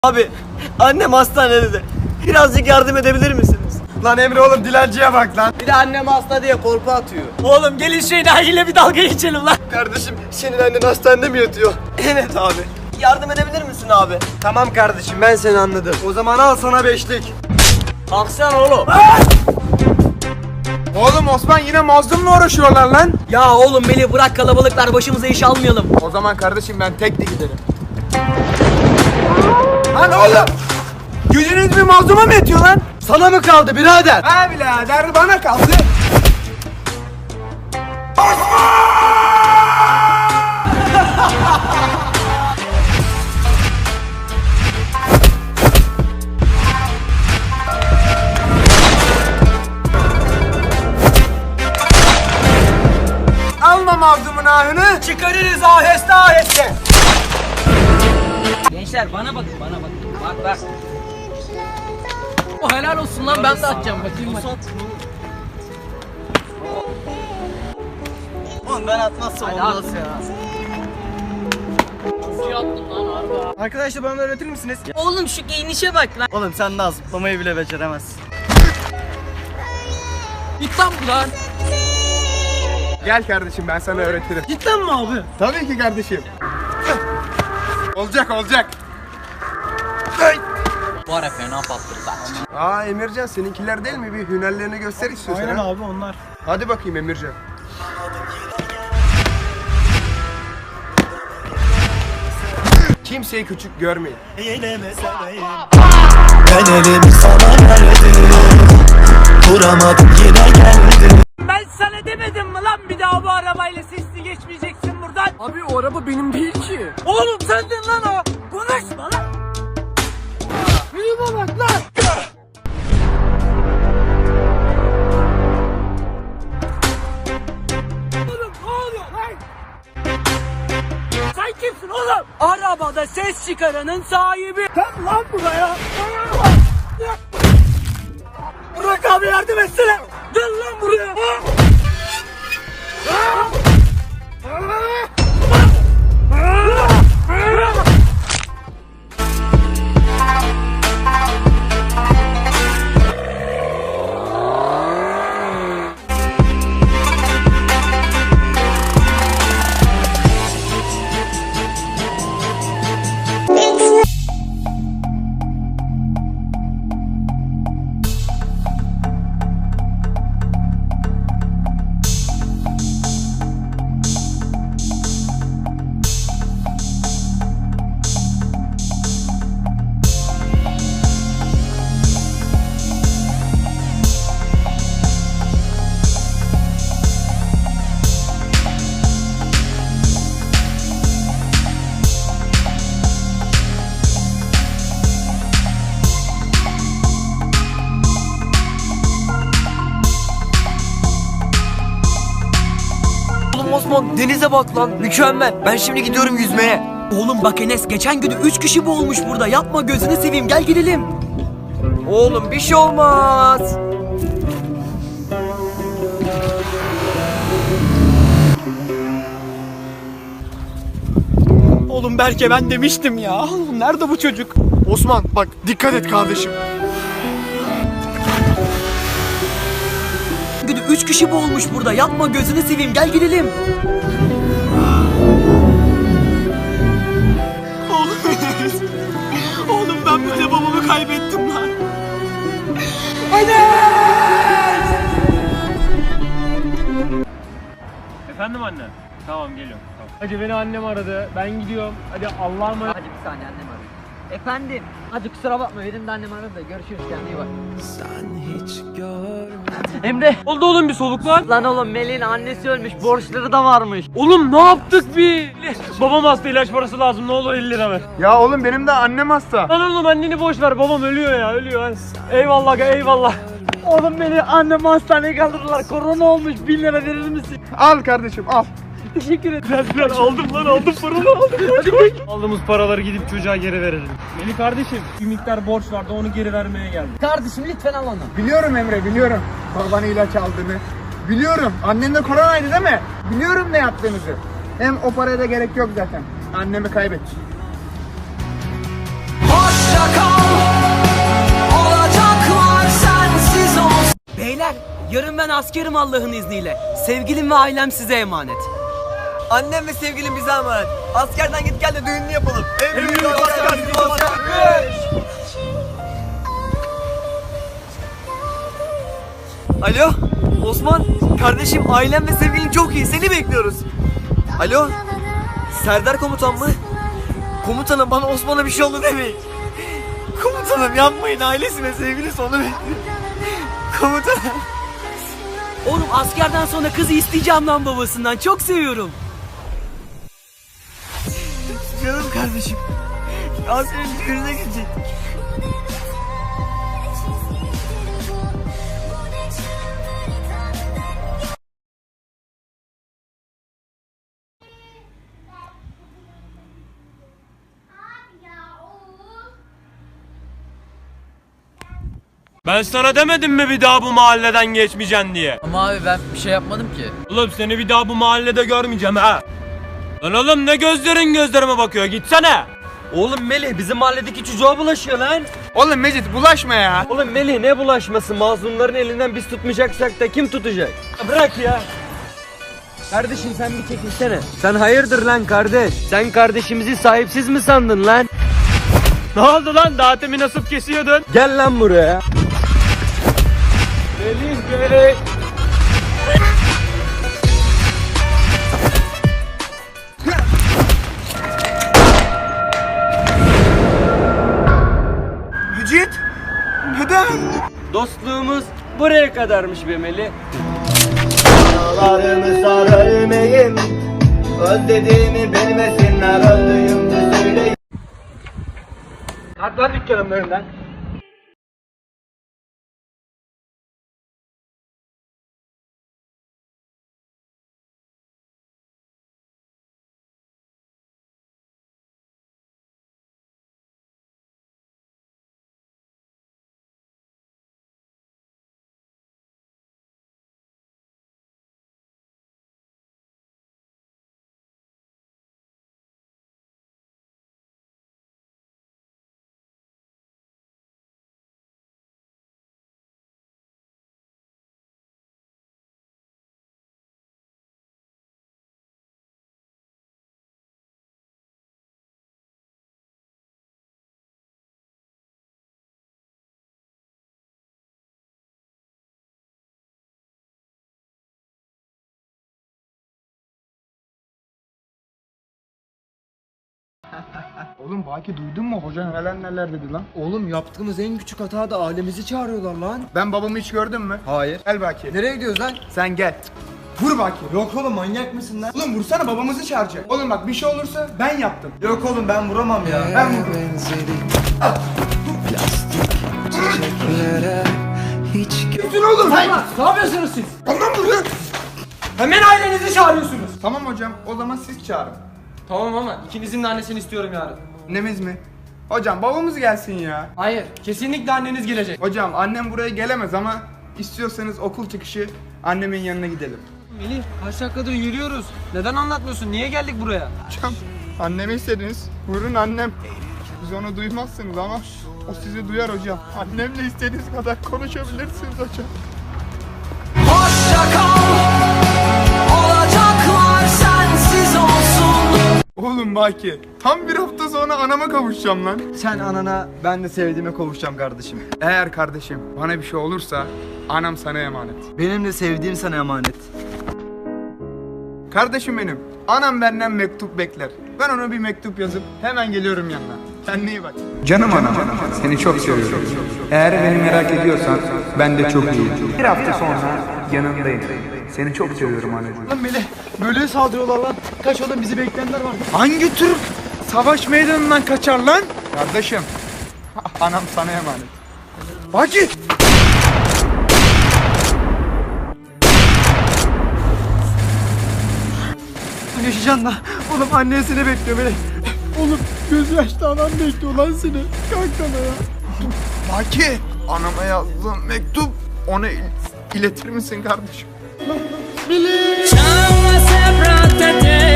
Abi annem hastanede de. Birazcık yardım edebilir misiniz? Lan Emre oğlum dilenciye bak lan. Bir de annem hasta diye korku atıyor. Oğlum gelin şu enayiyle bir dalga geçelim lan. Kardeşim senin annen hastanede mi yatıyor? Evet abi. Yardım edebilir misin abi? Tamam kardeşim ben seni anladım. O zaman al sana beşlik. Kalksana oğlum. Oğlum Osman yine mazlumla uğraşıyorlar lan. Ya oğlum beni bırak, kalabalıklar, başımıza iş almayalım. O zaman kardeşim ben tek de giderim. Lan oğlum! Gücünüz bir mazluma mı yetiyor lan? Sana mı kaldı birader? Ha birader bana kaldı. Alma mazlumun ahını. Çıkarırız aheste aheste. Gençler bana bakın, bana bakın. Bak bak. O helal olsun lan, ben de atacağım bakayım. Oğlum ben atmazsam olmaz ya. Nasıl attın lan harbi? Arkadaşlar bana öğretir misiniz? Oğlum şu giyinişe bak lan. Oğlum sen daha zıplamayı bile beceremezsin. Git lan buradan. Gel kardeşim ben sana öğretirim. Cidden mi abi? Tabii ki kardeşim. Olacak olacak. Bu ara fena patladı bak. Aa Emircan seninkiler değil mi? Bir hünerlerini göster istiyorsan. Aynen ha? abi onlar. Hadi bakayım Emircan. Kimseyi küçük görmeyin. Ben elimi sana verdim, duramadım yine geldim. Ben sana demedim mi lan bir daha bu arabayla sesli geçmeyeceksin buradan? Abi o araba benim değil ki. Oğlum sendin lan o. Konuşma lan. Yürüme bak lan. Oğlum ne oluyor lan? Sen kimsin oğlum? Arabada ses çıkaranın sahibi. Sen lan buraya. Bırak abi, yardım etsene. Gel lan buraya. Oğlum Osman denize bak lan, mükemmel. Ben şimdi gidiyorum yüzmeye. Oğlum bak Enes, geçen gün 3 kişi boğulmuş burada. Yapma gözünü seveyim, gel gidelim. Oğlum bir şey olmaz. Oğlum Berke ben demiştim ya. Oğlum nerede bu çocuk? Osman bak dikkat et kardeşim. Gün 3 kişi boğulmuş burada. Yapma gözünü seveyim, gel gidelim. Oğlum ben böyle babamı kaybettim lan. Efendim anne? Tamam geliyorum. Tamam. Hadi beni annem aradı. Ben gidiyorum. Hadi Allah'a emanet. Hadi bir saniye, annem arıyor. Efendim? Hadi kusura bakma, benim de annem aradı da. Görüşürüz, kendine iyi bak. Emre. Oldu oğlum bir soluklar. Lan oğlum Melih'in annesi ölmüş, borçları da varmış. Oğlum ne yaptık bir? Babam hasta, ilaç parası lazım. Ne olur 50 lira ver. Ya oğlum benim de annem hasta. Lan oğlum anneni boş ver. Babam ölüyor ya, ölüyor. Hadi. Eyvallah eyvallah. Oğlum beni annemi hastaneye kaldırdılar. Korona olmuş, 1000 lira verir misin? Al kardeşim al. Teşekkür ederim. Biraz aldım lan, aldım paranı aldım. Hadi koş. Aldığımız paraları gidip çocuğa geri verelim. Melih kardeşim bir miktar borç vardı, onu geri vermeye geldim. Kardeşim lütfen al onu. Biliyorum Emre biliyorum. Babanı ilaç aldığını. Biliyorum. Annen de koronaydı değil mi? Biliyorum ne yaptığınızı. Hem o paraya da gerek yok zaten. Annemi kaybettim. Hoşça Yarın ben askerim Allah'ın izniyle. Sevgilim ve ailem size emanet. Annem ve sevgilim bize emanet. Askerden git gel de düğününü yapalım. En büyük asker bizim asker. Alo Osman, kardeşim ailem ve sevgilim çok iyi, seni bekliyoruz. Alo Serdar komutan mı? Komutanım bana Osman'a bir şey oldu demeyin. Komutanım yapmayın, ailesi ve sevgilisi onu bekliyor. Komutanım. Oğlum askerden sonra kızı isteyeceğim lan babasından, çok seviyorum. Canım kardeşim. Ya senin düğününe gidecektik. Ben sana demedim mi bir daha bu mahalleden geçmeyeceksin diye? Ama abi ben bir şey yapmadım ki. Oğlum seni bir daha bu mahallede görmeyeceğim ha. Lan oğlum ne gözlerin gözlerime bakıyor, gitsene. Oğlum Melih bizim mahalledeki çocuğa bulaşıyor lan. Oğlum Mecit bulaşma ya. Oğlum Melih ne bulaşması, mazlumların elinden biz tutmayacaksak da kim tutacak? Bırak ya. Kardeşim sen bir çekilsene. Sen hayırdır lan kardeş? Sen kardeşimizi sahipsiz mi sandın lan? Ne oldu lan, daha temin nasip kesiyordun? Gel lan buraya. Melih. Mecit. Neden? Dostluğumuz buraya kadarmış be Melih. Dağlarımı sarılmayayım, özlediğimi bilmesinler, öldüğümde söyleyeyim. Hadi lan dükkanımın önünden. Oğlum Baki duydun mu? Hoca neler dedi lan? Oğlum yaptığımız en küçük hata da ailemizi çağırıyorlar lan. Ben babamı hiç gördün mü? Hayır. Gel Baki. Nereye gidiyoruz lan? Sen gel. Vur Baki. Yok oğlum manyak mısın lan? Oğlum vursana, babamızı çağıracak. Oğlum bak bir şey olursa ben yaptım. Yok oğlum ben vuramam ya. Ben vururum. Gitsin oğlum. Ne yapıyorsunuz siz? Ondan vuruyor. Hemen ailenizi çağırıyorsunuz. Tamam hocam, o zaman siz çağırın. Tamam ama ikinizin de annesini istiyorum yarın. Annemiz mi? Hocam babamız gelsin ya. Hayır kesinlikle anneniz gelecek. Hocam annem buraya gelemez ama istiyorsanız okul çıkışı annemin yanına gidelim. Melih kaç dakikadır yürüyoruz. Neden anlatmıyorsun? Niye geldik buraya? Hocam annemi istediniz. Buyurun annem. Siz onu duymazsınız ama o sizi duyar hocam. Annemle istediğiniz kadar konuşabilirsiniz hocam. Oğlum Baki, tam bir hafta sonra anama kavuşacağım lan. Sen anana ben de sevdiğime kavuşacağım kardeşim. Eğer kardeşim bana bir şey olursa anam sana emanet. Benim de sevdiğim sana emanet. Kardeşim benim, anam benden mektup bekler. Ben ona bir mektup yazıp hemen geliyorum yanına. Kendine iyi bak. Canım anam, seni çok seviyorum. Eğer beni merak ediyorsan ben de çok iyiyim. Bir hafta sonra yanındayım. Seni çok seviyorum anneciğim. Lan Melih böyle saldırıyorlar lan. Kaç oğlum bizi bekleyenler var. Hangi tür savaş meydanından kaçar lan? Kardeşim, anam sana emanet. Baki! Yaşayacaksın lan. Oğlum annesini bekliyor beni. Oğlum göz yaşlı anam bekliyor lan seni. Kalk sana ya. Baki! Anama yazdığım mektup ona iletir misin kardeşim? Ciao, sempre a te.